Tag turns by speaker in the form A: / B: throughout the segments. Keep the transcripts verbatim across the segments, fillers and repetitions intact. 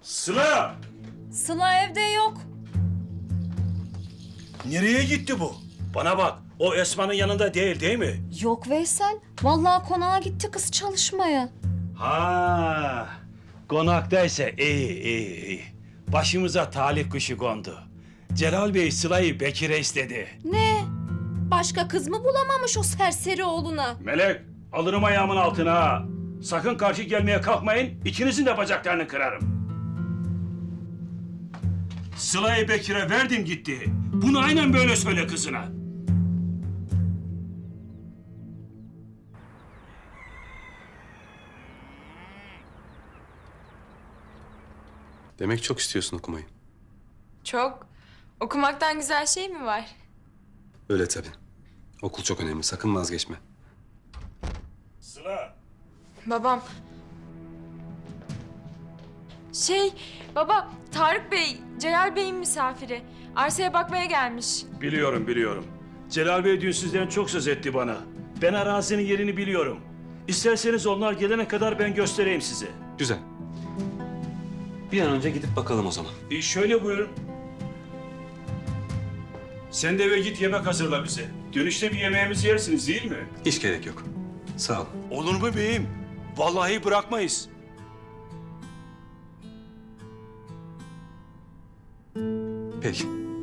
A: Sıla!
B: Sıla evde yok.
A: Nereye gitti bu? Bana bak, o Esma'nın yanında değil değil mi?
B: Yok Veysel. Vallahi konağa gitti kız çalışmaya.
A: Ha, konaktaysa iyi iyi iyi. Başımıza talih kuşu kondu. Celal Bey Sıla'yı Bekir'e istedi.
B: Ne? Başka kız mı bulamamış o serseri oğluna?
A: Melek, alırım ayağımın altına ha. Sakın karşı gelmeye kalkmayın, ikinizin de bacaklarını kırarım. Sıla'yı Bekir'e verdim gitti. Bunu aynen böyle söyle kızına.
C: Demek çok istiyorsun okumayı.
D: Çok. Okumaktan güzel şey mi var?
C: Öyle tabii. Okul çok önemli. Sakın vazgeçme.
A: Sıla.
D: Babam. Şey, baba, Tarık Bey, Celal Bey'in misafiri. Arsaya bakmaya gelmiş.
A: Biliyorum, biliyorum. Celal Bey dün sizden çok söz etti bana. Ben arazinin yerini biliyorum. İsterseniz onlar gelene kadar ben göstereyim size.
C: Güzel. Bir an önce gidip bakalım o zaman.
A: E şöyle buyurun. Sen de eve git yemek hazırla bize. Dönüşte bir yemeğimizi yersiniz değil mi?
C: Hiç gerek yok. Sağ ol.
A: Olur mu beyim? Vallahi bırakmayız.
C: Peki.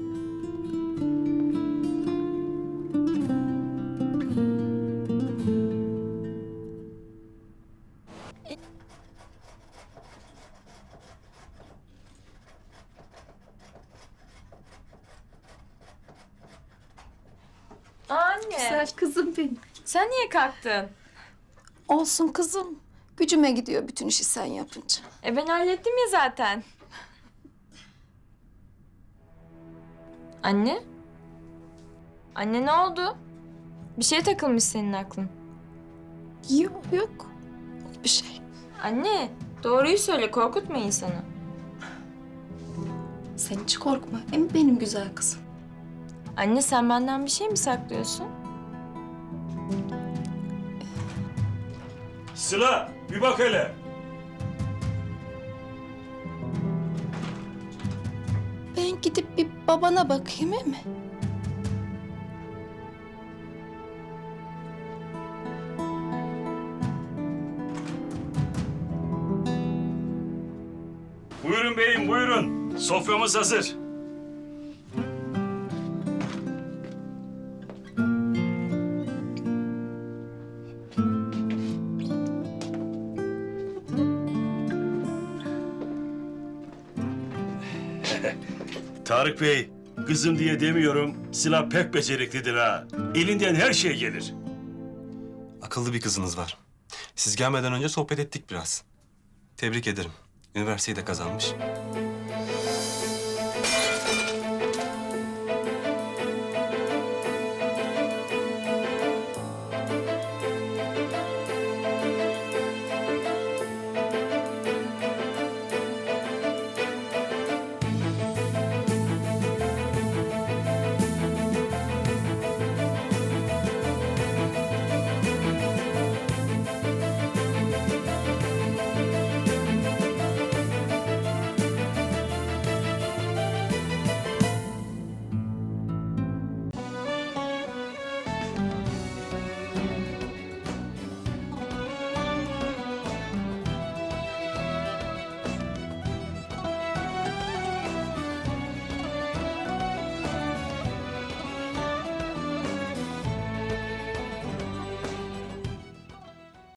D: Anne,
E: Güzel kızım benim.
D: sen niye kalktın?
E: Olsun kızım. Gücüme gidiyor bütün işi sen yapınca.
D: E ben hallettim ya zaten. Anne? Anne ne oldu? Bir şeye takılmış senin aklın.
E: Yok yok. Yok bir şey.
D: Anne, doğruyu söyle, korkutma insanı.
E: Sen hiç korkma. Hem benim güzel kızım.
D: Anne sen benden bir şey mi saklıyorsun?
A: Sıla bir bak hele.
E: Ben gidip bir babana bakayım he mi?
A: Buyurun beyim buyurun. Soframız hazır. Tarık Bey, kızım diye demiyorum. Sıla pek beceriklidir ha. Elinden her şey gelir.
C: Akıllı bir kızınız var. Siz gelmeden önce sohbet ettik biraz. Tebrik ederim. Üniversiteyi de kazanmış.